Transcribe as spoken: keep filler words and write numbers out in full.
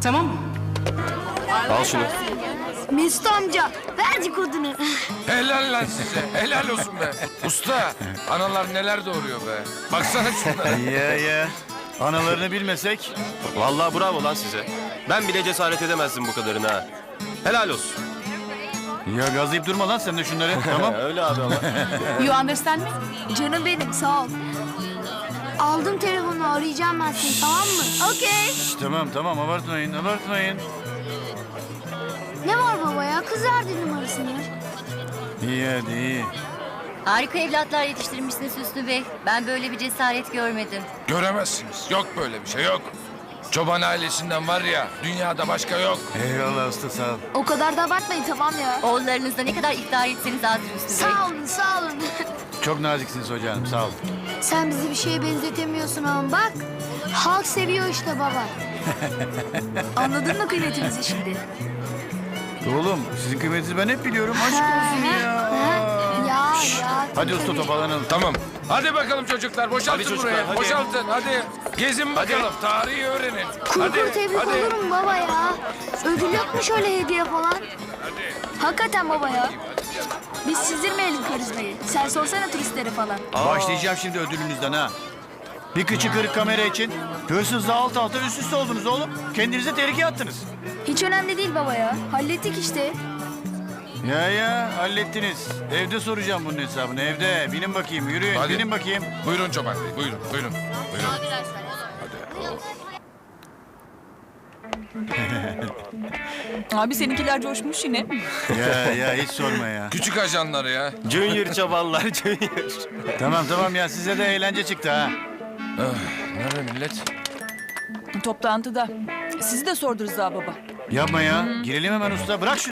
Tamam mı? Al şunu. Mesut amca ver kodunu. Helal lan size. Helal olsun be. Usta, analar neler doğuruyor be. Baksana şunlara. Ya ya. Analarını bilmesek. Vallahi bravo lan size. Ben bile cesaret edemezdim bu kadarını ha. Helal olsun. Ya gazlayıp durma lan sen de şunları. Tamam. Öyle abi ama. You understand me? Canım benim sağ ol. Aldım telefonu arayacağım ben seni tamam mı? Okey. Şş, tamam tamam abartmayın abartmayın. Ne var baba ya kız verdi numarasını. İyi hadi iyi. Harika evlatlar yetiştirmişsiniz Hüsnü Bey. Ben böyle bir cesaret görmedim. Göremezsiniz. Yok böyle bir şey yok. Çoban ailesinden var ya, dünyada başka yok. Eyvallah usta sağ ol. O kadar da abartmayın tamam ya. Oğullarınızda ne kadar iftihar etseniz azdır Hüsnü Bey. Sağ olun sağ olun. Çok naziksiniz hocam sağ ol. Sen bizi bir şeye benzetemiyorsun ama bak. Halk seviyor işte baba. Anladın mı kıymetimizi şimdi? Oğlum sizin kıymetinizi ben hep biliyorum. Aşk olsun ya. Ya ya. Hadi usta toparlanalım. Tamım. Hadi bakalım çocuklar, boşaltın Hadi çocuklar, burayı. hadi. Boşaltın, hadi. Gezin bakalım, tarihi öğrenin. Kuru Hadi, kuru tebrik hadi. olur mu baba ya? Ödül yok mu şöyle hediye falan? Hakikaten baba ya. Biz sizdirmeyelim karizmayı. Sen sorsana turistlere falan. Başlayacağım şimdi ödülünüzden ha. Bir kıçı kırık kamera için hırsızla alt alta üst üste oldunuz oğlum. Kendinize tehlikeye attınız. Hiç önemli değil baba ya. Hallettik işte. Ya ya hallettiniz. Evde soracağım bunun hesabını evde. Binin bakayım yürüyün Hadi. binin bakayım. Buyurun Çoban Bey, buyurun, buyurun. Buyurun. Abi seninkiler coşmuş yine. Ya ya hiç sorma ya. Küçük ajanları ya. Junior çobanlar Junior. Tamam tamam ya size de eğlence çıktı ha. Nerede millet? Toplantıda. Sizi de sordu Rıza baba. Yapma ya. Girelim hemen usta. Bırak şu